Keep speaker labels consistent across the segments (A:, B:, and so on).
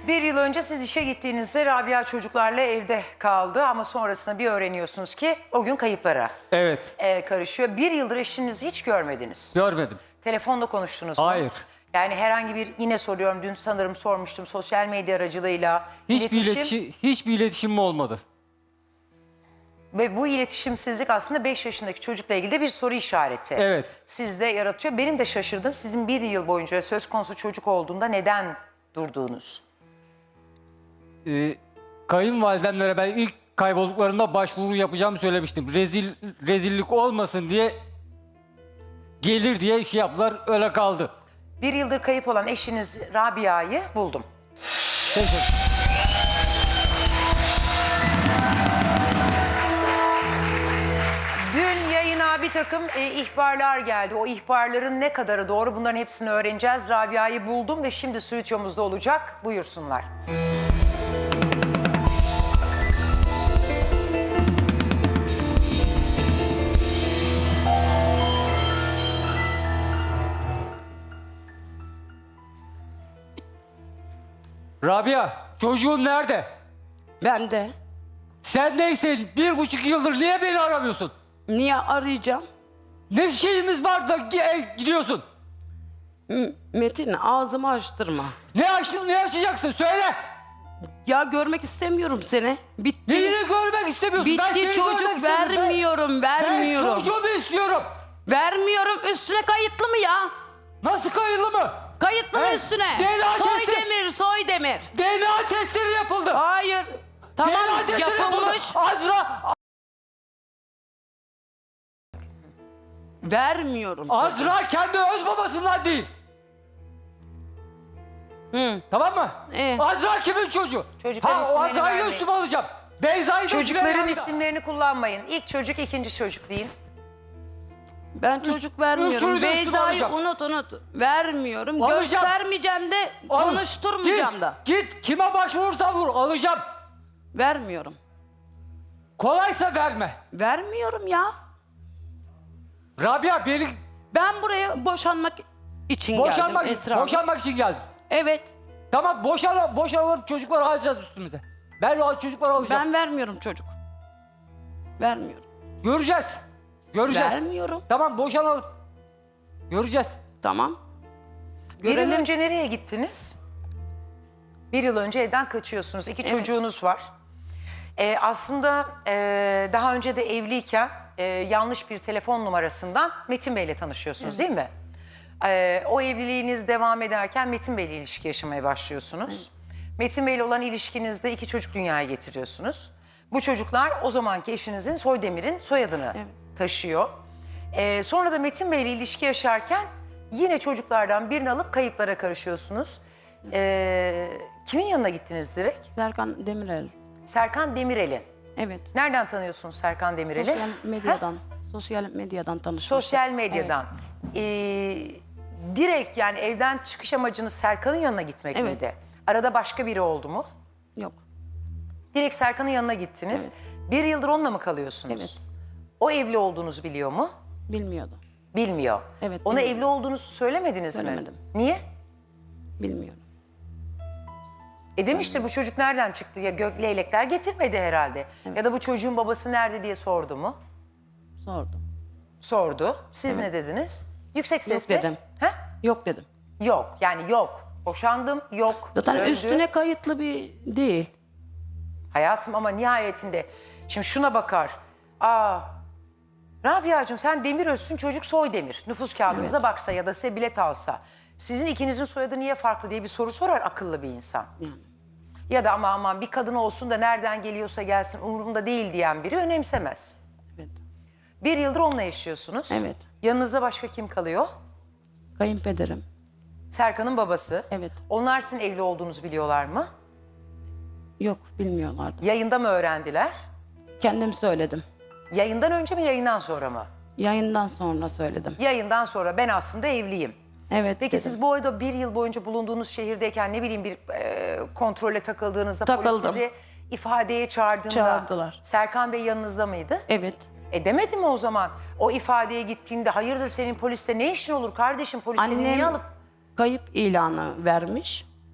A: Bir yıl önce siz işe gittiğinizde Rabia çocuklarla evde kaldı ama sonrasında bir öğreniyorsunuz ki o gün kayıplara
B: Evet.
A: karışıyor. Bir yıldır eşinizi hiç görmediniz.
B: Görmedim.
A: Telefonda konuştunuz mu?
B: Hayır.
A: Yani herhangi bir, yine soruyorum, dün sanırım sormuştum, sosyal medya aracılığıyla
B: Hiçbir iletişimim olmadı.
A: Ve bu iletişimsizlik aslında 5 yaşındaki çocukla ilgili de bir soru işareti.
B: Evet.
A: Sizde yaratıyor. Benim de şaşırdım, sizin bir yıl boyunca söz konusu çocuk olduğunda neden durduğunuz?
B: Kayınvalidemlere ben ilk kaybolduklarında başvuru yapacağımı söylemiştim. Rezillik olmasın diye gelir diye şey yaptılar, öyle kaldı.
A: Bir yıldır kayıp olan eşiniz Rabia'yı buldum. Dün yayına bir takım ihbarlar geldi. O ihbarların ne kadarı doğru, bunların hepsini öğreneceğiz. Rabia'yı buldum ve şimdi stüdyomuzda olacak. Buyursunlar.
B: Rabia, çocuğun nerede?
C: Ben de.
B: Sen neyse 1,5 yıldır niye beni aramıyorsun?
C: Niye arayacağım?
B: Ne şeyimiz var da gidiyorsun?
C: Metin ağzımı açtırma.
B: Ne açacaksın söyle.
C: Ya görmek istemiyorum seni. Bitti.
B: Neyini görmek istemiyorsun? Ben
C: Bitti,
B: seni
C: çocuk
B: görmek istemiyorum.
C: vermiyorum.
B: Ben çocuğumu istiyorum.
C: Vermiyorum. Üstüne kayıtlı mı ya?
B: Nasıl kayıtlı mı?
C: Kayıtlı mı
B: He?
C: üstüne?
B: DNA testi.
C: Soydemir.
B: DNA testleri yapıldı.
C: Hayır. Tamam,
B: DNA testleri
C: yapılmış.
B: Azra,
C: Vermiyorum.
B: Azra kendi öz babasından değil.
C: Hı.
B: Tamam mı? Azra kimin çocuğu?
A: Çocukların
B: O
A: isimlerini
B: Azra'yı
A: vermeyin.
B: üstüme alacağım. Beyza'yı da
A: Çocukların
B: Süleyman'ı da.
A: isimlerini kullanmayın. İlk çocuk, ikinci çocuk deyin.
C: Ben çocuk
B: üçünü
C: vermiyorum.
B: de
C: Beyza'yı
B: üstüme
C: unut. Vermiyorum.
B: Alacağım.
C: Göstermeyeceğim de
B: Al.
C: konuşturmayacağım da.
B: Git kime başvurursan vur, alacağım.
C: Vermiyorum.
B: Kolaysa verme.
C: Vermiyorum ya.
B: Rabia beni
C: Ben buraya boşanmak için geldim Esra Hanım.
B: boşanmak için geldim.
C: Evet.
B: Tamam boşanalım çocukları alacağız üstümüze. Ben o çocukları alacağım.
C: Ben vermiyorum çocuk. Vermiyorum.
B: Göreceğiz.
C: Vermiyorum.
B: Tamam boşanalım. Göreceğiz.
C: Tamam.
A: Bir yıl
C: Görelim.
A: önce nereye gittiniz? Bir yıl önce evden kaçıyorsunuz. İki çocuğunuz var. Aslında daha önce de evliyken yanlış bir telefon numarasından Metin Bey'le tanışıyorsunuz, değil mi? O evliliğiniz devam ederken Metin Bey'le ilişki yaşamaya başlıyorsunuz. Metin Bey'le olan ilişkinizde iki çocuk dünyaya getiriyorsunuz. Bu çocuklar o zamanki eşinizin Soydemir'in soyadını taşıyor. Sonra da Metin Bey'le ilişki yaşarken yine çocuklardan birini alıp kayıplara karışıyorsunuz. Kimin yanına gittiniz direkt?
C: Serkan Demirel.
A: Serkan Demirel'in.
C: Evet.
A: Nereden tanıyorsunuz Serkan Demirel'i?
C: Sosyal medyadan. Sosyal medyadan tanıştık.
A: Sosyal medyadan. Direkt yani evden çıkış amacınız Serkan'ın yanına gitmek
C: Evet.
A: miydi? Arada başka biri oldu mu?
C: Yok.
A: Direkt Serkan'ın yanına gittiniz. Bir yıldır onunla mı kalıyorsunuz?
C: Evet.
A: O evli olduğunuzu biliyor mu?
C: Bilmiyordu.
A: Bilmiyor.
C: Evet,
A: Ona
C: bilmiyorum.
A: evli olduğunuzu söylemediniz mi?
C: Söylemedim.
A: Niye?
C: Bilmiyorum.
A: Demiştir bu çocuk nereden çıktı ya, gök leylekler getirmedi herhalde. Ya da bu çocuğun babası nerede diye sordu mu?
C: Sordum.
A: Sordu. Siz ne dediniz? Yüksek sesle.
C: dedim.
A: He?
C: Yok dedim.
A: Yok yani yok. Boşandım yok.
C: Zaten
A: Döndü.
C: üstüne kayıtlı bir değil.
A: Hayatım ama nihayetinde şimdi şuna bakar. Rabia'cığım sen Demir Özsün, çocuk Soydemir. Nüfus kağıdınıza baksa ya da size bilet alsa. Sizin ikinizin soyadı niye farklı diye bir soru sorar akıllı bir insan.
C: Yani.
A: Ya da aman bir kadın olsun da nereden geliyorsa gelsin umurumda değil diyen biri önemsemez.
C: Evet.
A: Bir yıldır onunla yaşıyorsunuz.
C: Evet.
A: Yanınızda başka kim kalıyor?
C: Kayınpederim.
A: Serkan'ın babası.
C: Evet.
A: Onlar sizin evli olduğunuzu biliyorlar mı?
C: Yok, bilmiyorlardı.
A: Yayında mı öğrendiler?
C: Kendim söyledim.
A: Yayından önce mi yayından sonra mı?
C: Yayından sonra söyledim.
A: Yayından sonra ben aslında evliyim.
C: Evet.
A: Peki
C: dedim.
A: siz bu arada bir yıl boyunca bulunduğunuz şehirdeyken ne bileyim bir kontrole takıldığınızda polis
C: Takıldım.
A: sizi ifadeye çağırdığında
C: Çağırdılar.
A: Serkan Bey yanınızda mıydı?
C: Evet.
A: Demedi mi o zaman o ifadeye gittiğinde hayırdır senin poliste ne işin olur kardeşim, polis seni niye
C: Annem
A: alıp...
C: kayıp ilanı vermiş.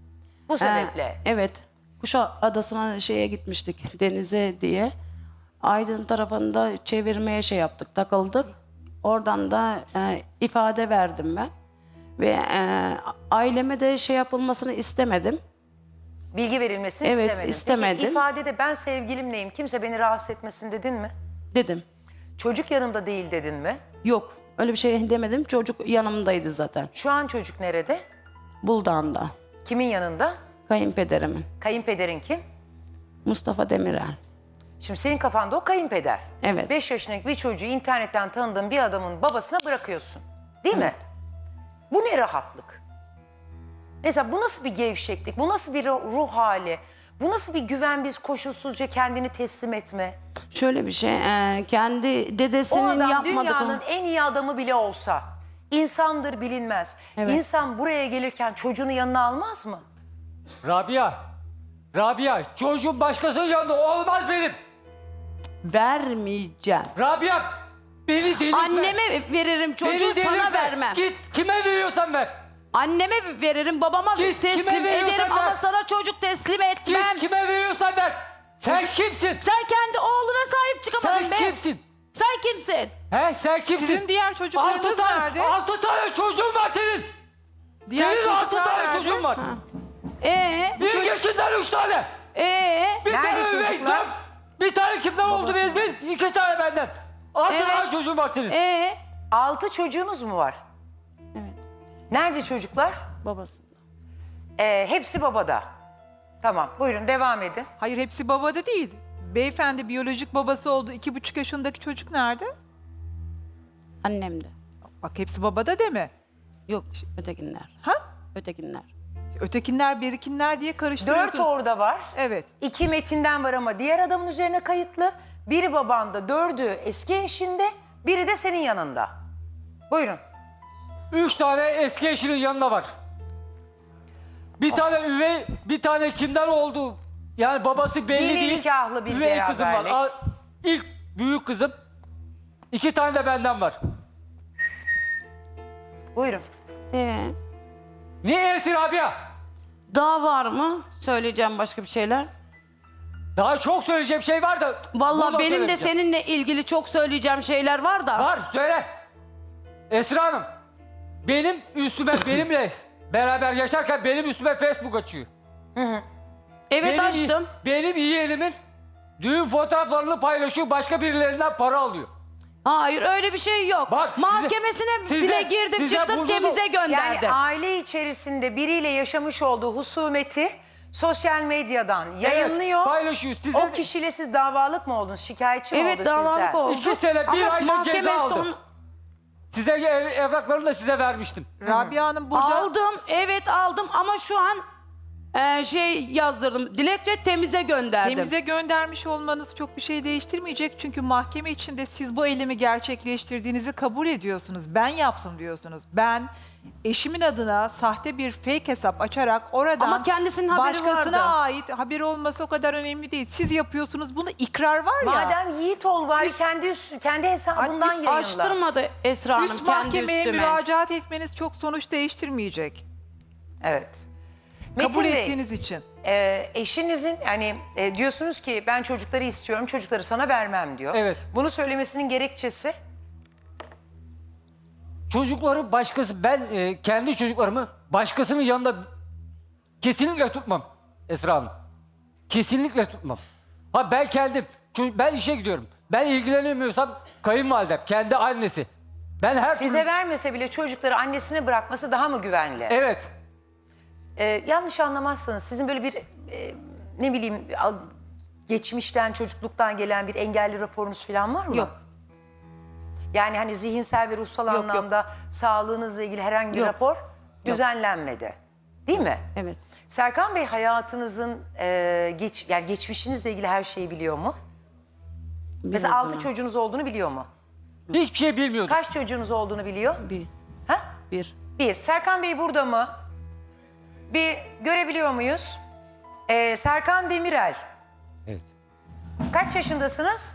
A: Bu sebeple.
C: Evet. Kuşadası'na şeye gitmiştik denize diye. Aydın tarafında çevirmeye şey yaptık, takıldık. Oradan da ifade verdim ben. Ve aileme de şey yapılmasını istemedim.
A: Bilgi verilmesini
C: Evet,
A: istemedin.
C: istemedim.
A: Peki ifadede ben sevgilimleyim, kimse beni rahatsız etmesin dedin mi?
C: Dedim.
A: Çocuk yanımda değil dedin mi?
C: Yok, öyle bir şey demedim. Çocuk yanımdaydı zaten.
A: Şu an çocuk nerede?
C: Buldan'da.
A: Kimin yanında?
C: Kayınpederimin.
A: Kayınpederin kim?
C: Mustafa Demirel.
A: Şimdi senin kafanda o kayınpeder.
C: Evet.
A: 5 yaşındaki bir çocuğu internetten tanıdığın bir adamın babasına bırakıyorsun. Değil mi? Bu ne rahatlık? Mesela bu nasıl bir gevşeklik? Bu nasıl bir ruh hali? Bu nasıl bir güven, biz koşulsuzca kendini teslim etme?
C: Şöyle bir şey, kendi
A: O
C: dedesinin
A: adam
C: yapmadığı...
A: dünyanın en iyi adamı bile olsa, insandır bilinmez.
C: Evet.
A: İnsan buraya gelirken çocuğunu yanına almaz mı?
B: Rabia, çocuğum başkasının yanında olmaz benim.
C: Vermeyeceğim.
B: Rabia, beni delirtme.
C: Anneme veririm çocuğu,
B: Beni delirtme.
C: sana vermem.
B: Git kime veriyorsan ver.
C: Anneme veririm, babama
B: Git, kime
C: teslim
B: veriyorsan
C: ederim
B: ver.
C: ama sana çocuk teslim etmem.
B: Git kime veriyorsan ver. Sen kimsin?
C: Sen kendi oğluna sahip çıkamadın
B: Sen
C: be.
B: kimsin?
C: Sen kimsin?
B: He sen kimsin?
D: Sizin diğer çocuklarınız nerede?
B: 6 tane çocuğun var senin.
D: Diğer
B: Senin 6
D: çocuklar
B: tane
D: nerede?
B: çocuğun var.
C: Ee?
B: 1 yaşından 3 tane. Bir
A: Nerede
B: tane üvey
A: çocuklar?
B: kim? Bir tane kimden oldu bezdin? 2 tane benden. 6
C: Evet.
B: tane çocuğun var senin.
A: 6 çocuğunuz mu var?
C: Evet.
A: Nerede çocuklar?
C: Babası.
A: Hepsi babada. Tamam, buyurun devam edin.
D: Hayır, hepsi babada değil. Beyefendi biyolojik babası oldu. 2,5 yaşındaki çocuk nerede?
C: Annem de.
D: Bak, hepsi babada deme.
C: Yok, ötekinler.
D: Ha?
C: Ötekinler.
D: Ötekinler, birikinler diye
A: 4
D: karıştırıyorsunuz.
A: orada var.
D: Evet.
A: 2 Metin'den var ama diğer adamın üzerine kayıtlı. Biri babanda, 4'ü eski eşinde, biri de senin yanında. Buyurun.
B: 3 tane eski eşinin yanında var. Bir tane üvey, bir tane kimden oldu? Yani babası belli
A: Dini
B: değil.
A: nikahlı bir
B: üvey kızım var.
A: beraberlik.
B: İlk büyük kızım. 2 tane de benden var.
A: Buyurun.
B: Niye Esir Rabia?
C: Daha var mı? Söyleyeceğim başka bir şeyler.
B: Daha çok söyleyeceğim şey var da.
C: Vallahi
B: burada
C: benim de
B: söylemeyeceğim.
C: seninle ilgili çok söyleyeceğim şeyler var da.
B: Var söyle. Esra Hanım. Benim üstüme benimle beraber yaşarken benim üstüme Facebook açıyor.
C: Evet, açtım.
B: Benim yeğenimin düğün fotoğraflarını paylaşıyor, başka birilerinden para alıyor.
C: Hayır, öyle bir şey yok.
B: Bak,
C: Mahkemesine
B: size-
C: bile girdim,
B: size
C: çıktım,
B: burada
C: temize
A: Yani
C: gönderdim.
A: aile içerisinde biriyle yaşamış olduğu husumeti sosyal medyadan yayınlıyor.
B: Paylaşıyor. Size
A: O kişiyle siz davalık mı oldunuz? Şikayetçi mi
C: Evet,
A: oldu sizden?
C: davalık oldu.
B: 2 sene, 1
C: Ama
B: ayda
C: mahkeme
B: ceza aldım.
C: son-
B: Size evraklarını da size vermiştim.
D: Rabia Hanım burada.
C: Aldım, evet aldım ama şu an şey yazdırdım. Dilekçe temize gönderdim.
D: Temize göndermiş olmanız çok bir şey değiştirmeyecek. Çünkü mahkeme içinde siz bu eylemi gerçekleştirdiğinizi kabul ediyorsunuz. Ben yaptım diyorsunuz. Ben eşimin adına sahte bir fake hesap açarak oradan
C: Ama kendisinin haberi
D: başkasına
C: vardı.
D: ait haberi olması o kadar önemli değil. Siz yapıyorsunuz bunu, ikrar var ya.
A: Madem Yiğit ol bari kendi hesabından yayınla.
C: Açtırmadı Esra Hanım
D: Üst
C: kendi
D: mahkemeye
C: üstüme.
D: müracaat etmeniz çok sonuç değiştirmeyecek.
A: Evet.
D: Kabul
A: Metin Bey,
D: ettiğiniz için.
A: eşinizin yani diyorsunuz ki ben çocukları istiyorum, çocukları sana vermem diyor.
B: Evet.
A: Bunu söylemesinin gerekçesi?
B: Çocukları başkası, ben kendi çocuklarımı başkasının yanında kesinlikle tutmam Esra Hanım. Kesinlikle tutmam. Ha ben kendim, ben işe gidiyorum. Ben ilgilenemiyorsam kayınvalidem, kendi annesi. Ben her
A: Size
B: türlü...
A: vermese bile çocukları annesine bırakması daha mı güvenli?
B: Evet.
A: Yanlış anlamazsanız sizin böyle bir ne bileyim geçmişten, çocukluktan gelen bir engelli raporunuz falan var mı?
C: Yok.
A: Yani hani zihinsel ve ruhsal
C: Yok,
A: anlamda sağlığınızla ilgili herhangi bir
C: Yok.
A: rapor düzenlenmedi. Değil mi?
C: Evet.
A: Serkan Bey hayatınızın yani geçmişinizle ilgili her şeyi biliyor mu? Mesela 6 çocuğunuz olduğunu biliyor mu?
B: Hiçbir şey bilmiyordum.
A: Kaç çocuğunuz olduğunu biliyor?
C: Bir.
A: Ha?
C: Bir.
A: 1. Serkan Bey burada mı? Bir görebiliyor muyuz? Serkan Demirel.
B: Evet.
A: Kaç yaşındasınız?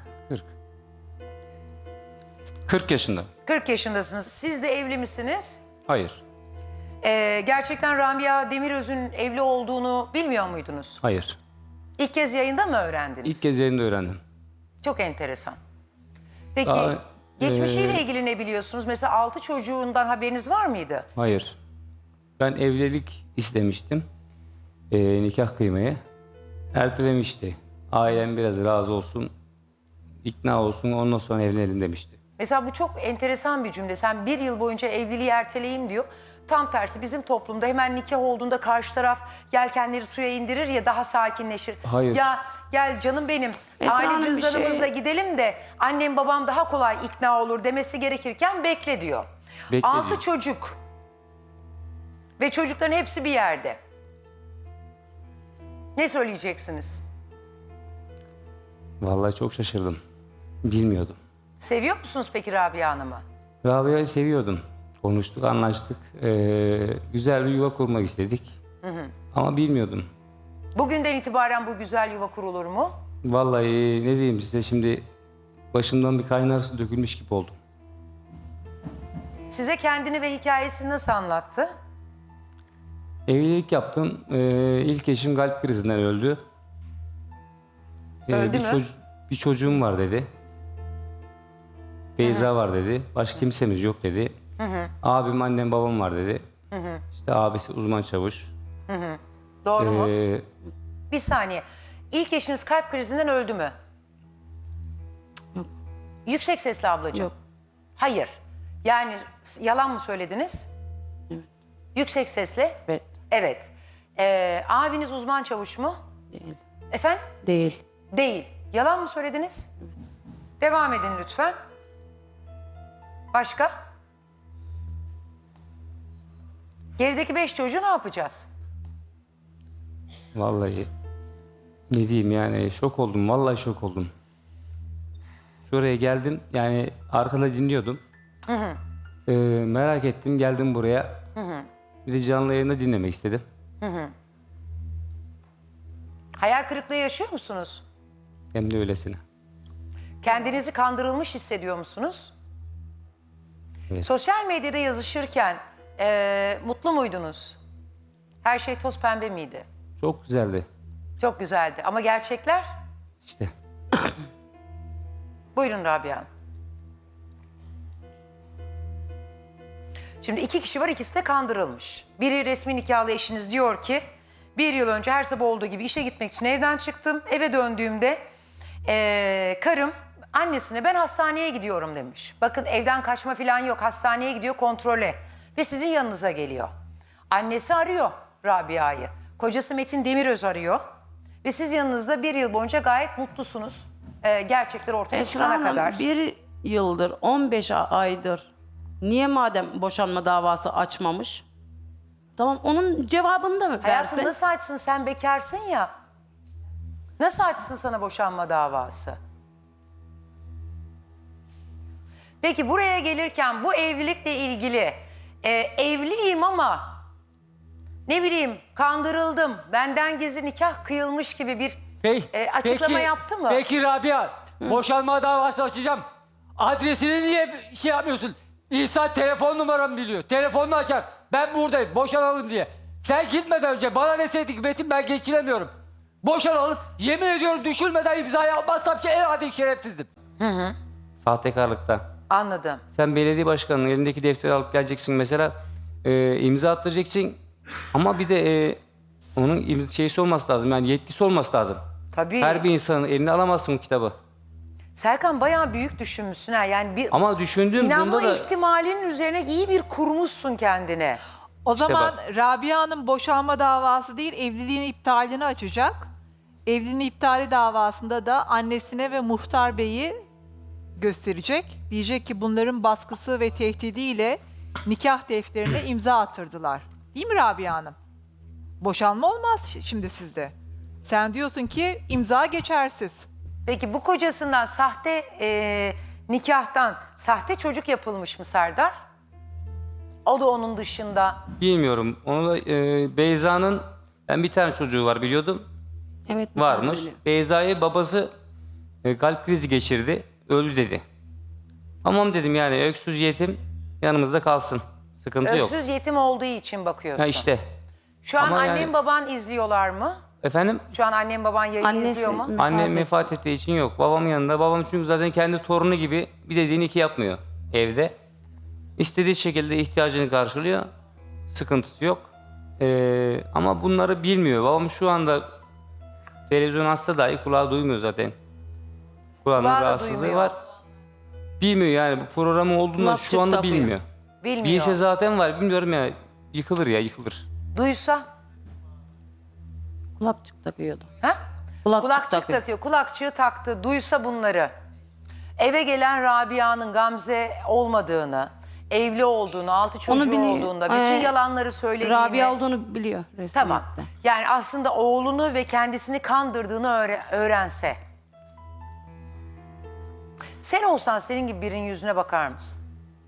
E: 40 yaşında.
A: 40 yaşındasınız. Siz de evli misiniz?
E: Hayır.
A: Gerçekten Rabia Demiröz'ün evli olduğunu bilmiyor muydunuz?
E: Hayır.
A: İlk kez yayında mı öğrendiniz?
E: İlk kez yayında öğrendim.
A: Çok enteresan. Peki
E: Daha,
A: geçmişiyle ilgili ne biliyorsunuz? Mesela 6 çocuğundan haberiniz var mıydı?
E: Hayır. Ben evlilik istemiştim. Nikah kıymayı. Ertelemişti. Ailem biraz razı olsun, ikna olsun, ondan sonra evlenelim demişti.
A: Mesela bu çok enteresan bir cümle. Sen 1 yıl boyunca evliliği erteleyeyim diyor. Tam tersi bizim toplumda hemen nikah olduğunda karşı taraf yelkenleri suya indirir ya, daha sakinleşir.
E: Hayır.
A: Ya gel canım benim,
C: Esra
A: aile
C: Hanım, bir
A: cüzdanımızla
C: şey-
A: gidelim de annem babam daha kolay ikna olur demesi gerekirken bekle diyor.
E: Bekle
A: 6
E: diyor.
A: çocuk ve çocukların hepsi bir yerde. Ne söyleyeceksiniz?
E: Vallahi çok şaşırdım. Bilmiyordum.
A: Seviyor musunuz peki Rabia Hanım'ı?
E: Rabia'yı seviyordum. Konuştuk, anlaştık. Güzel bir yuva kurmak istedik. Ama bilmiyordum.
A: Bugünden itibaren bu güzel yuva kurulur mu?
E: Vallahi ne diyeyim size, şimdi başımdan bir kaynar su dökülmüş gibi oldum.
A: Size kendini ve hikayesini nasıl anlattı?
E: Evlilik yaptım. İlk eşim kalp krizinden öldü.
A: Öldü mü?
E: Bir çocuğum var dedi. Beyza var dedi. Başka kimsemiz yok dedi. Abim, annem, babam var dedi. İşte abisi uzman çavuş.
A: Doğru mu?
E: Ee,
A: Bir saniye. İlk eşiniz kalp krizinden öldü mü? Yüksek sesli ablacığım.
C: Yok.
A: Hayır. Yani yalan mı söylediniz?
C: Evet.
A: Yüksek sesle?
C: Evet.
A: Evet. Abiniz uzman çavuş mu?
C: Değil.
A: Efendim?
C: Değil.
A: Değil. Yalan mı söylediniz? Devam edin lütfen. Başka? Gerideki 5 çocuğu ne yapacağız?
E: Vallahi ne diyeyim, yani şok oldum. Vallahi şok oldum. Şuraya geldim, yani arkada dinliyordum. Merak ettim, geldim buraya. Bir de canlı yayında dinlemek istedim.
A: Hayal kırıklığı yaşıyor musunuz?
E: Hem de öylesine.
A: Kendinizi kandırılmış hissediyor musunuz?
E: Evet.
A: Sosyal medyada yazışırken mutlu muydunuz? Her şey toz pembe miydi?
E: Çok güzeldi.
A: Çok güzeldi ama gerçekler?
E: İşte.
A: Buyurun Rabia Hanım. Şimdi 2 kişi var, ikisi de kandırılmış. Biri resmi nikahlı eşiniz diyor ki 1 yıl önce her sabah olduğu gibi işe gitmek için evden çıktım. Eve döndüğümde karım annesine ben hastaneye gidiyorum demiş. Bakın evden kaçma falan yok, hastaneye gidiyor kontrole ve sizin yanınıza geliyor. Annesi arıyor Rabia'yı. Kocası Metin Demiröz arıyor ve siz yanınızda 1 yıl boyunca gayet mutlusunuz. Gerçekler ortaya
C: Esra
A: çıkana
C: Hanım,
A: kadar.
C: 1 yıldır, 15 aydır niye madem boşanma davası açmamış? Tamam, onun cevabını da
A: Hayatım
C: versin.
A: nasıl açsın, sen bekarsın ya. Nasıl açsın sana boşanma davası? Peki buraya gelirken bu evlilikle ilgili evliyim ama ne bileyim kandırıldım, benden gizli nikah kıyılmış gibi bir açıklama yaptı mı?
B: Peki Rabia, boşanma davası açacağım. Adresini niye şey yapmıyorsun? İnsan telefon numaramı biliyor. Telefonunu açar. Ben buradayım, boşanalım diye. Sen gitmeden önce bana deseydin ki Metin ben geçiremiyorum. Boşanalım. Yemin ediyorum düşürmeden imzayı atmazsam en adi şerefsizdim.
E: Sahtekarlıkta.
A: Anladım.
E: Sen belediye başkanının elindeki defteri alıp geleceksin mesela, imza attıracaksın ama bir de onun şeysi olması lazım, yani yetkisi olması lazım.
A: Tabii.
E: Her bir insanın eline alamazsın bu kitabı.
A: Serkan bayağı büyük düşünmüşsün ha. Yani bir
E: Ama düşündüğüm
A: inanma
E: bunda da
A: ihtimalinin üzerine iyi bir kurmuşsun kendine.
D: O
E: İşte
D: zaman
E: bak.
D: Rabia'nın boşanma davası değil, evliliğin iptalini açacak. Evliliğin iptali davasında da annesine ve muhtar beyi gösterecek. Diyecek ki bunların baskısı ve tehdidiyle nikah defterine imza attırdılar. Değil mi Rabia Hanım? Boşanma olmaz şimdi sizde. Sen diyorsun ki imza geçersiz.
A: Peki bu kocasından sahte nikahtan sahte çocuk yapılmış mı Serdar? O da onun dışında.
E: bilmiyorum. Onu da Beyza'nın, ben bir tane çocuğu var biliyordum.
C: Evet,
E: Varmış.
C: öyle.
E: Beyza'yı babası kalp krizi geçirdi. Öldü dedi. Tamam dedim, yani öksüz yetim yanımızda kalsın. Sıkıntı yok.
A: Öksüz yetim olduğu için bakıyorsun.
E: Ha işte.
A: Şu an
E: Ama
A: annen
E: yani-
A: baban izliyorlar mı?
E: Efendim?
A: Şu an annen baban yayın
C: Annesi
A: izliyor mu?
C: vefat
E: Annem
C: etti.
E: vefat ettiği için yok. Babamın yanında. Babam çünkü zaten kendi torunu gibi bir dediğini iki yapmıyor evde. İstediği şekilde ihtiyacını karşılıyor. Sıkıntısı yok. Ama bunları bilmiyor. Babam şu anda televizyon hasta dahi kulağı duymuyor zaten. Kulağının
A: Kulağı da
E: rahatsızlığı
A: duymuyor.
E: var. Bilmiyor yani bu programı olduğundan
C: Kulakçık
E: şu anda
C: takıyor.
E: bilmiyor.
A: Bilmiyor.
E: Bilse zaten var. Bilmiyorum ya. Yıkılır ya yıkılır.
A: Duysa?
C: Kulakçık takıyordu.
A: Ha?
C: Kulakçık
A: Kulakçık takıyor. Kulakçığı taktı. Duysa bunları. Eve gelen Rabia'nın Gamze olmadığını, evli olduğunu, 6 çocuğu
C: biliyor.
A: olduğunda, bütün yalanları söylediğini.
C: Rabia olduğunu biliyor resmiyette.
A: Tamam. Yani aslında oğlunu ve kendisini kandırdığını öğrense. Sen olsan senin gibi birinin yüzüne bakar mısın?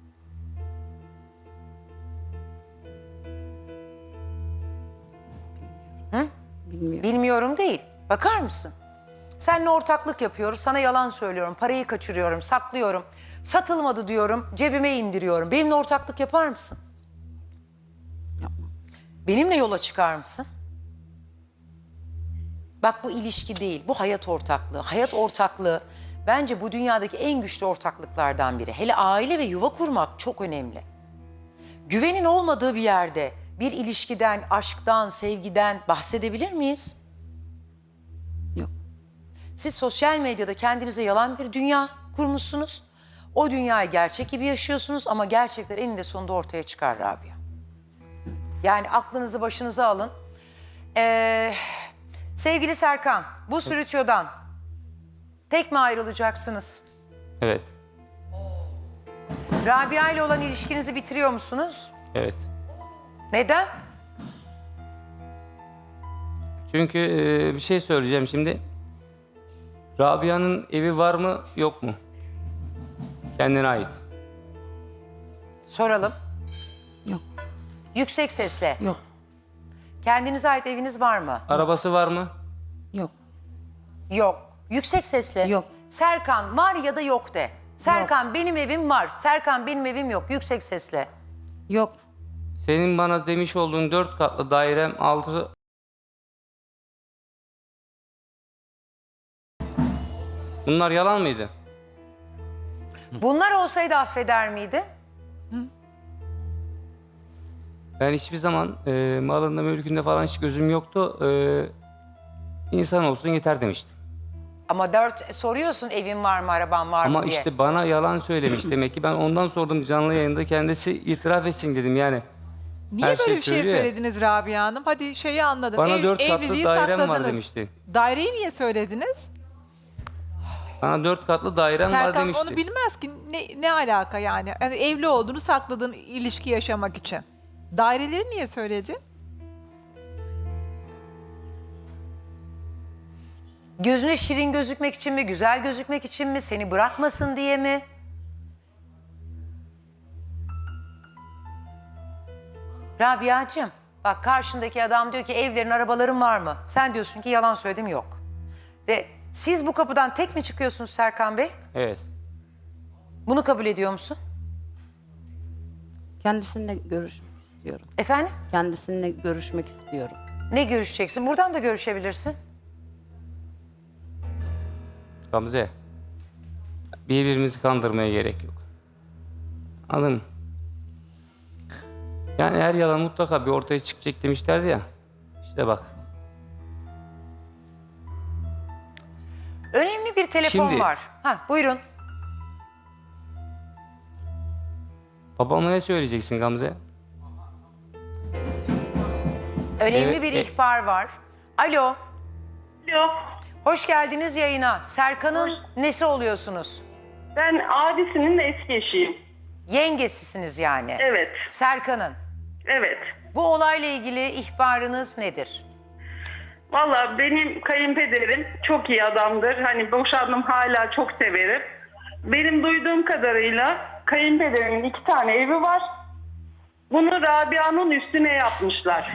C: Bilmiyor.
A: Bilmiyorum değil. Bakar mısın? Seninle ortaklık yapıyoruz. Sana yalan söylüyorum. Parayı kaçırıyorum, saklıyorum. Satılmadı diyorum, cebime indiriyorum. Benimle ortaklık yapar mısın?
C: Yapmam.
A: Benimle yola çıkar mısın? Bak bu ilişki değil, bu hayat ortaklığı. Hayat ortaklığı bence bu dünyadaki en güçlü ortaklıklardan biri. Hele aile ve yuva kurmak çok önemli. Güvenin olmadığı bir yerde bir ilişkiden, aşktan, sevgiden bahsedebilir miyiz?
C: Yok.
A: Siz sosyal medyada kendinize yalan bir dünya kurmuşsunuz. O dünyayı gerçek gibi yaşıyorsunuz ama gerçekler eninde sonunda ortaya çıkar Rabia. Yani aklınızı başınıza alın. Sevgili Serkan, bu stüdyodan tek mi ayrılacaksınız?
E: Evet.
A: Rabia ile olan ilişkinizi bitiriyor musunuz?
E: Evet.
A: Neden?
E: Çünkü bir şey söyleyeceğim şimdi. Rabia'nın evi var mı yok mu? Kendine ait.
A: Soralım.
C: Yok.
A: Yüksek sesle.
C: Yok.
A: Kendinize ait eviniz var mı?
E: Arabası var mı?
C: Yok.
A: Yok. Yüksek sesle.
C: Yok.
A: Serkan var ya da yok de. Serkan benim evim var. Serkan benim evim yok. Yüksek sesle.
C: Yok.
E: Senin bana demiş olduğun 4 katlı dairem 6... Bunlar yalan mıydı?
A: Bunlar olsaydı affeder miydi?
E: Ben hiçbir zaman malında mülkünde falan hiç gözüm yoktu. İnsan olsun yeter demiştim.
A: Ama soruyorsun evin var mı, araban var mı
E: Ama
A: diye.
E: işte bana yalan söylemiş demek ki. Ben ondan sordum canlı yayında, kendisi itiraf etsin dedim yani.
D: Niye
E: Her
D: böyle
E: şey
D: bir şey
E: söylüyor ya.
D: söylediniz Rabia Hanım? Hadi şeyi anladım.
E: Bana 4 katlı
D: evliliği
E: dairem var
D: sakladınız.
E: demişti.
D: Daireyi niye söylediniz?
E: Bana 4 katlı dairem var
D: Serkan
E: demişti.
D: onu bilmez ki ne alaka yani? Yani evli olduğunu sakladığın ilişki yaşamak için. Daireleri niye söyledi?
A: Gözüne şirin gözükmek için mi, güzel gözükmek için mi, seni bırakmasın diye mi? Rabia'cığım, bak karşındaki adam diyor ki evlerin, arabaların var mı? Sen diyorsun ki yalan söyledim, yok. Ve siz bu kapıdan tek mi çıkıyorsunuz Serkan Bey?
E: Evet.
A: Bunu kabul ediyor musun?
C: Kendisininle görüşmek istiyorum.
A: Efendim?
C: Kendisininle görüşmek istiyorum.
A: Ne görüşeceksin? Buradan da görüşebilirsin.
E: Gamze. Birbirimizi kandırmaya gerek yok. Anladın mı? Yani her yalan mutlaka bir ortaya çıkacak demişlerdi ya. İşte bak.
A: Önemli bir telefon
E: Şimdi-
A: var. Ha, buyurun.
E: Babama ne söyleyeceksin Gamze?
A: Önemli
E: Evet,
A: bir ihbar var. Alo.
F: Alo,
A: Hoş geldiniz yayına. Serkan'ın nesi oluyorsunuz?
F: ben abisinin eski eşiyim.
A: Yengesisiniz yani.
F: Evet,
A: Serkan'ın.
F: evet.
A: Bu olayla ilgili ihbarınız nedir?
F: Valla benim kayınpederim çok iyi adamdır. Hani boşandım, hala çok severim. Benim duyduğum kadarıyla kayınpederimin 2 tane evi var. Bunu Rabia'nın üstüne yapmışlar.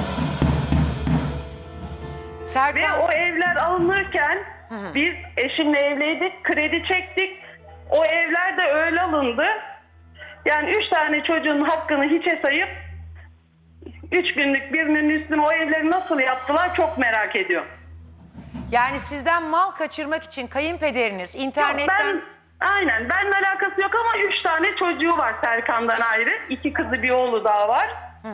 F: Ve
A: Serkan,
F: o evler alınırken biz eşimle evliydik, kredi çektik. O evler de öyle alındı. Yani 3 tane çocuğun hakkını hiçe sayıp 3 günlük birinin üstüne o evleri nasıl yaptılar çok merak ediyorum.
A: Yani sizden mal kaçırmak için kayınpederiniz internetten...
F: Aynen, benimle alakası yok ama 3 tane çocuğu var Serkan'dan ayrı. 2 kızı bir oğlu daha var.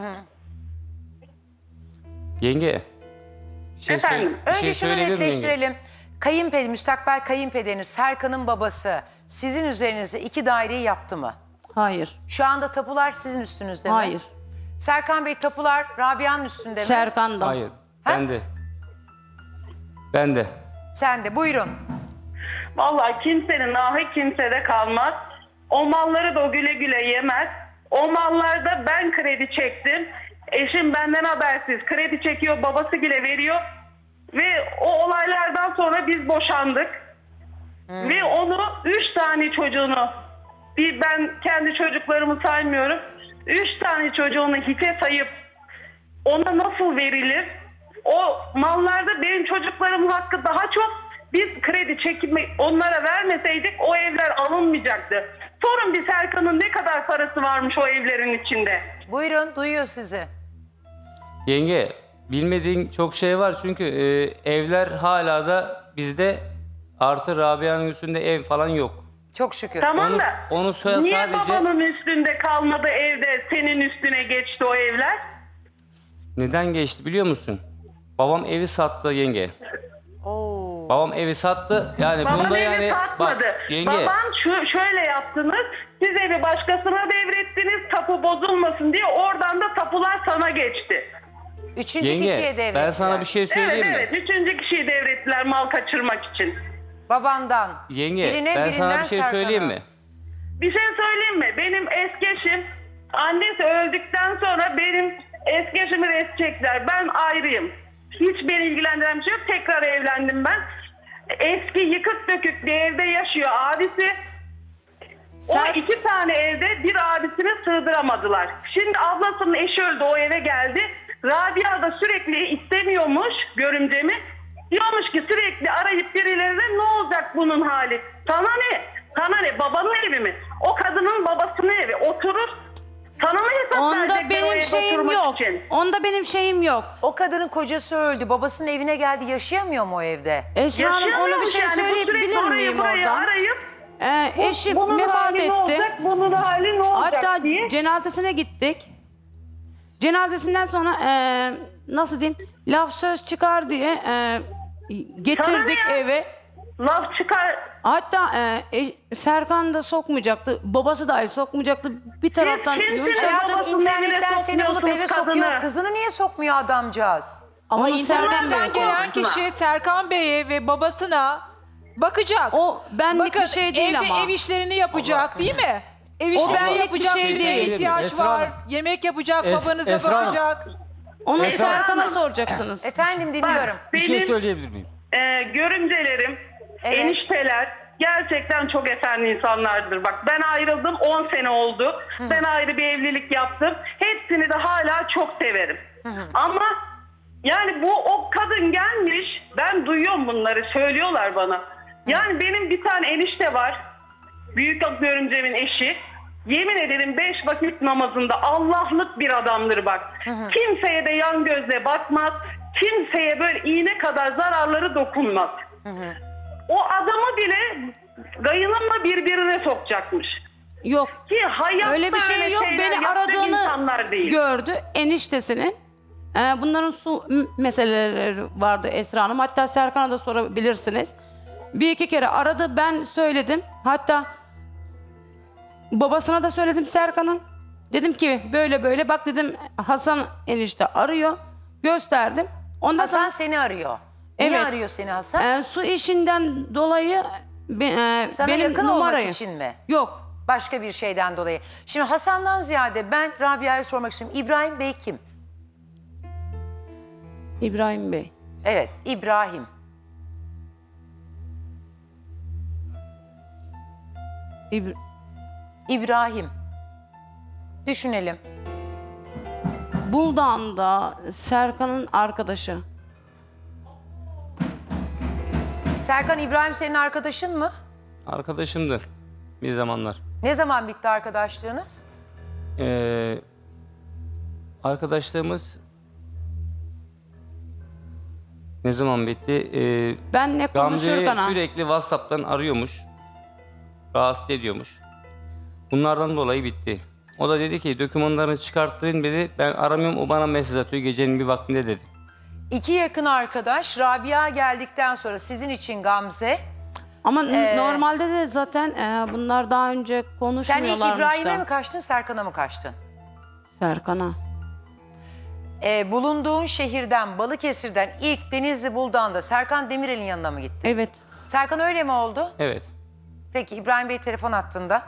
E: Yenge. Bir şey
F: Efendim?
E: bir
A: Önce
E: şey
A: şunu
E: söyleyebilir miyim yenge?
A: netleştirelim. Müstakbel kayınpederiniz Serkan'ın babası sizin üzerinizde 2 daireyi yaptı mı?
C: Hayır.
A: Şu anda tapular sizin üstünüzde mi?
C: Hayır.
A: Serkan Bey tapular Rabia'nın üstünde mi?
C: Serkan'da.
E: Hayır. Ben de. Ben de.
A: Sen de buyurun.
F: Vallahi kimsenin ahı kimsede kalmaz. O malları da o güle güle yemez. O mallarda ben kredi çektim. Eşim benden habersiz kredi çekiyor, babası bile veriyor. Ve o olaylardan sonra biz boşandık. Ve onu 3 tane çocuğunu, ben kendi çocuklarımı saymıyorum. 3 tane çocuğunu hiçe sayıp ona nasıl verilir? O mallarda benim çocuklarımın hakkı daha çok. Biz kredi çekimi onlara vermeseydik o evler alınmayacaktı. Sorun bir Serkan'ın ne kadar parası varmış o evlerin içinde.
A: Buyurun duyuyor sizi.
E: Yenge, bilmediğin çok şey var çünkü evler hala da bizde, artı Rabia'nın üstünde ev falan yok.
A: Çok şükür.
F: Tamam
E: Onu-
F: da
E: onu
F: niye
E: sadece-
F: babanın üstünde kalmadı evde senin üstüne geçti o evler?
E: Neden geçti biliyor musun? Babam evi sattı yenge.
A: Oo.
E: Babam evi sattı. Yani
F: Baban
E: bunda
F: evi
E: yani
F: satmadı.
E: bak yenge.
F: Baban şöyle yaptınız. Siz evi başkasına devrettiniz tapu bozulmasın diye, oradan da tapular sana geçti.
A: Üçüncü kişiye
E: Yenge
A: devrettiler.
E: ben sana bir şey söyleyeyim mi?
F: Evet, 3. kişiyi devrettiler mal kaçırmak için.
A: Babandan.
E: Yenge
A: Birine,
E: ben sana
A: birinden
E: bir şey
A: Serkan'a.
E: söyleyeyim mi?
F: Bir şey söyleyeyim mi? Benim eski eşim, annesi öldükten sonra benim eski eşimi res çektiler. Ben ayrıyım. Hiç beni ilgilendiren bir şey yok. Tekrar evlendim ben. Eski yıkık dökük bir evde yaşıyor abisi. O 2 tane evde bir abisini sığdıramadılar. Şimdi ablasının eşi öldü, o eve geldi. Rabia da sürekli istemiyormuş görümcemi. Diyormuş ki sürekli arayıp birilerine ne olacak bunun hali? Sana ne? Sana ne? Babanın evi mi? O kadının babasının evi. Oturur. Sana mı hesap
C: Onda
F: verecekler o
C: benim
F: evde
C: şeyim
F: oturmak
C: yok.
F: için?
C: Onda benim şeyim yok.
A: O kadının kocası öldü. Babasının evine geldi. Yaşayamıyor mu o evde?
C: Esra Hanım ona bir
F: Yaşayamıyormuş
C: şey
F: yani. Bu
C: söyleyebilir
F: sürekli orayı
C: miyim
F: burayı
C: oradan?
F: arayıp
C: Eşim
F: bunun
C: vefat
F: hali ne
C: etti.
F: olacak? Bunun hali ne olacak
C: Hatta
F: diye.
C: cenazesine gittik. Cenazesinden sonra nasıl diyeyim, laf söz çıkar diye getirdik
F: Sana ne ya?
C: eve.
F: Laf çıkar.
C: Hatta Serkan da sokmayacaktı. Babası dahi sokmayacaktı. Bir taraftan
F: kimsiniz?
C: yumuşak.
A: Hayatım
F: babasının
A: internetten
F: evine
A: seni bulup eve
F: sokmuyorsunuz
A: sokuyor.
F: kadını.
A: Kızını niye sokmuyor adamcağız?
D: Ama
C: Onu Serkan da
D: internetten gelen
C: soktu.
D: kişi Serkan Bey'e ve babasına bakacak.
C: O benlik
D: Bakın
C: bir şey değil
D: evde
C: ama.
D: ev işlerini yapacak değil mi? Ev
C: O
D: işlerini
C: benlik bir
D: yapacak,
C: şey
D: birine
C: değil.
D: ihtiyaç
B: Esra
D: var.
B: Hanım.
D: Yemek yapacak,
B: Es-
D: babanıza
B: Esra Hanım.
D: bakacak.
C: Onu
B: Esra
C: Serkan'a
F: Hanım.
C: soracaksınız.
A: Efendim dinliyorum.
E: Ah,
B: Bir şey
F: Benim
B: söyleyebilir miyim?
F: görümcelerim,
A: Evet.
F: enişteler gerçekten çok efendi insanlardır. Bak ben ayrıldım 10 sene oldu. Ben ayrı bir evlilik yaptım. Hepsini de hala çok severim. Ama yani o kadın gelmiş, ben duyuyorum bunları, söylüyorlar bana. Yani benim bir tane enişte var. Büyük görümcemin eşi. Yemin ederim 5 vakit namazında Allah'lık bir adamdır bak. Kimseye de yan gözle bakmaz. Kimseye böyle iğne kadar zararları dokunmaz. O adamı bile gayınımla birbirine sokacakmış.
C: Yok.
F: Ki hayatta
C: Öyle bir şey yok.
F: şeyler
C: Beni
F: yapacak insanlar
C: aradığını
F: değil.
C: gördü eniştesinin. Bunların su meseleleri vardı Esra Hanım. Hatta Serkan'a da sorabilirsiniz. Bir iki kere aradı. Ben söyledim. Hatta babasına da söyledim Serkan'ın. Dedim ki böyle böyle bak dedim, Hasan enişte arıyor. Gösterdim. Ondan
A: Hasan
C: sonra
A: seni arıyor. Niye
C: Evet.
A: arıyor seni Hasan?
C: su işinden dolayı
A: Sana
C: benim
A: yakın
C: numarayı.
A: olmak için mi?
C: Yok.
A: Başka bir şeyden dolayı. Şimdi Hasan'dan ziyade ben Rabia'ya sormak istiyorum. İbrahim Bey kim?
C: İbrahim Bey.
A: Evet, İbrahim. İbrahim. Düşünelim.
C: Buldan'da Serkan'ın arkadaşı.
A: Serkan İbrahim senin arkadaşın mı?
E: Arkadaşımdı bir zamanlar.
A: Ne zaman bitti arkadaşlığınız?
E: Arkadaşlığımız ne zaman bitti?
C: Benle
E: Gamze'yi
C: konuşurken
E: sürekli WhatsApp'tan arıyormuş. Rahatsız ediyormuş. Bunlardan dolayı bitti. O da dedi ki dokümanlarını çıkarttırın dedi. Ben aramıyorum, o bana mesaj atıyor gecenin bir vaktinde dedi.
A: İki yakın arkadaş Rabia geldikten sonra sizin için Gamze.
C: ama normalde de zaten bunlar daha önce
A: Sen ilk
C: konuşmuyorlarmış
A: İbrahim'e
C: da.
A: mi kaçtın, Serkan'a mı kaçtın?
C: Serkan'a.
A: Bulunduğun şehirden, Balıkesir'den ilk Denizli Buldan'da Serkan Demirel'in yanına mı gittin?
C: Evet.
A: Serkan öyle mi oldu?
E: Evet.
A: Peki İbrahim Bey telefon attığında.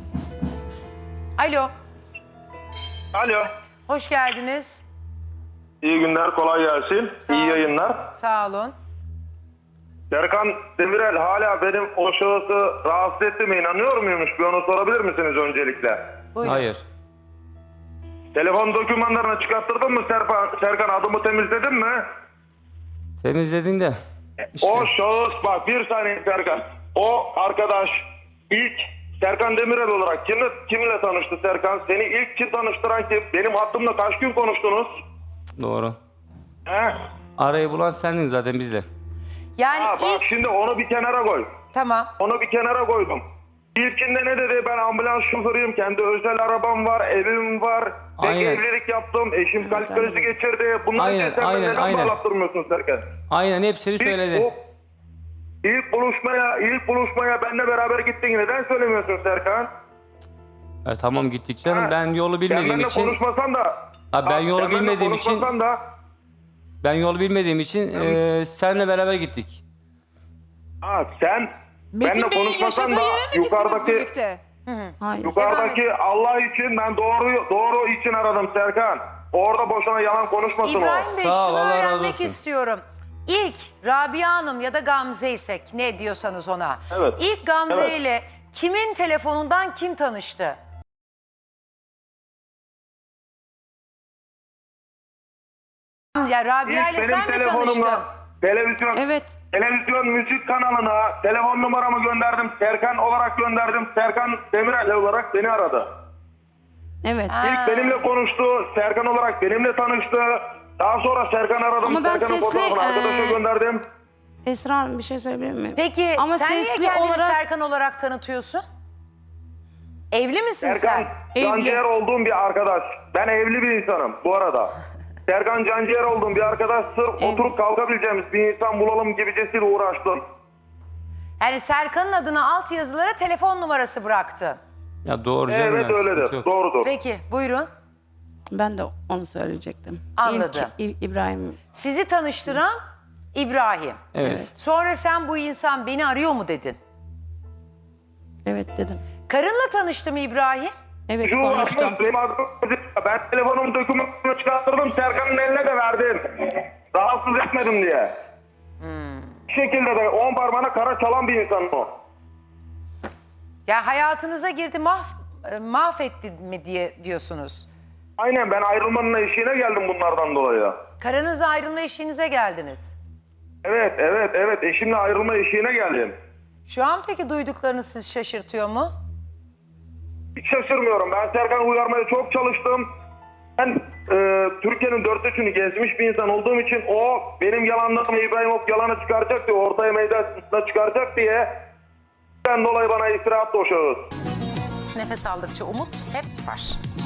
A: Alo,
G: Alo.
A: hoş geldiniz.
G: İyi günler, kolay gelsin.
A: Sağ ol.
G: İyi yayınlar.
A: Sağ olun.
G: Serkan Demirel hala benim o şahısı rahatsız ettiğime inanıyor muymuş? Bir onu sorabilir misiniz öncelikle?
A: Buyurun.
E: Hayır.
G: Telefon dokümanlarını çıkarttırdın mı Serkan? Adımı temizledin mi?
E: Temizledin de. işte.
G: O şahıs, bak bir saniye Serkan. O arkadaş ilk Serkan Demirel olarak kimle tanıştı Serkan? Seni ilk kim tanıştıran kim? Benim hattımla kaç gün konuştunuz?
E: Doğru.
G: He?
E: Arayı bulan sendin zaten bizle.
A: Yani
G: Ha, bak
A: ilk...
G: şimdi onu bir kenara koy.
A: Tamam.
G: Onu bir kenara koydum. İlkinde ne dedi? Ben ambulans şoförüyüm. Kendi özel arabam var, evim var. Tek
E: Aynen.
G: evlilik yaptım. Eşim kalp krizi geçirdi. Bunları
E: Aynen,
G: sen
E: aynen,
G: neden
E: aynen.
G: bağlattırmıyorsun Serkan?
E: Aynen hepsini söyledi.
G: İlk buluşmaya benimle beraber gittin. Neden söylemiyorsun Serkan?
E: Tamam gittik canım.
G: Ha?
E: Ben yolu
G: Sen
E: bilmediğim
G: benimle
E: için.
G: konuşmasan da.
E: Ha, ben yolu
G: sen benimle
E: bilmediğim için.
G: konuşmasan da.
E: Ben yolu bilmediğim için seninle beraber gittik.
G: Sen
D: Metin
G: benimle
D: Bey'in
G: konuşmasan
D: yaşadığı
G: da
D: yere mi gittiniz
G: yukarıdaki
D: birlikte?
C: Hayır.
G: yukarıdaki Allah için ben doğru için aradım Serkan. Orada boşuna yalan konuşmasın o.
A: İbrahim Bey
E: Sağ ol,
A: şunu
E: Allah razı
A: öğrenmek
E: olsun.
A: istiyorum. İlk Rabia Hanım ya da Gamze isek ne diyorsanız ona.
G: Evet.
A: İlk Gamze
G: Evet.
A: ile kimin telefonundan kim tanıştı? Ya Rabia
G: İlk
A: ile
G: benim
A: sen mi tanıştın?
G: telefonumla
C: Evet.
G: televizyon müzik kanalına telefon numaramı gönderdim. Serkan olarak gönderdim. Serkan Demirel olarak beni aradı.
C: Evet.
G: İlk benimle konuştu. Serkan olarak benimle tanıştı. Daha sonra Serkan aradım.
C: Ama ben
G: Serkan'ın
C: sesli,
G: fotoğrafını arkadaşa gönderdim.
C: Esra Hanım bir şey söyleyebilir miyim?
A: Peki
C: Ama
A: sen niye
C: sesli
A: kendini
C: olarak
A: Serkan olarak tanıtıyorsun? Evli misin
G: Serkan
A: sen?
G: Canciğer olduğum bir arkadaş. Ben evli bir insanım bu arada. Serkan Canciğer olduğum bir arkadaş. Sırf oturup kalkabileceğimiz bir insan bulalım gibicesiyle uğraştım.
A: Yani Serkan'ın adına alt yazılara telefon numarası bıraktın.
E: Ya doğru canım.
G: Evet
E: ya,
G: öyledir.
E: sıkıntı yok.
G: Doğrudur.
A: Peki buyurun.
C: ben de onu söyleyecektim.
A: Anladım.
C: İlk İbrahim.
A: Sizi tanıştıran İbrahim.
E: Evet.
A: Sonra sen bu insan beni arıyor mu dedin?
C: Evet dedim.
A: Karınla tanıştı mı İbrahim?
C: Evet
G: Şu
C: konuştum.
G: açmış, benim adım- ben telefonumun dokümanını çıkarttırdım. Serkan'ın eline de verdim. Rahatsız etmedim diye. Bir şekilde de 10 parmağına kara çalan bir insan o.
A: Ya hayatınıza girdi mahvetti mi diye diyorsunuz.
G: Aynen ben ayrılmanın eşiğine geldim bunlardan dolayı.
A: Karınızla ayrılma eşiğinize geldiniz.
G: Evet. Eşimle ayrılma eşiğine geldim.
A: Şu an peki duyduklarınız sizi şaşırtıyor mu?
G: Hiç şaşırmıyorum. Ben Serkan'ı uyarmaya çok çalıştım. Ben Türkiye'nin dört üçünü gezmiş bir insan olduğum için o benim yalanlarımı İbrahim Ok yalanı çıkaracak diye ortaya meydana çıkaracak diye ben dolayı bana iftira attı o şahıs.
A: Nefes aldıkça umut hep var.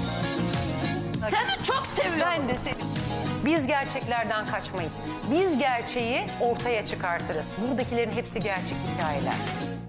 H: Seni çok seviyorum.
A: Ben de seni. Biz gerçeklerden kaçmayız. Biz gerçeği ortaya çıkartırız. Buradakilerin hepsi gerçek hikayeler.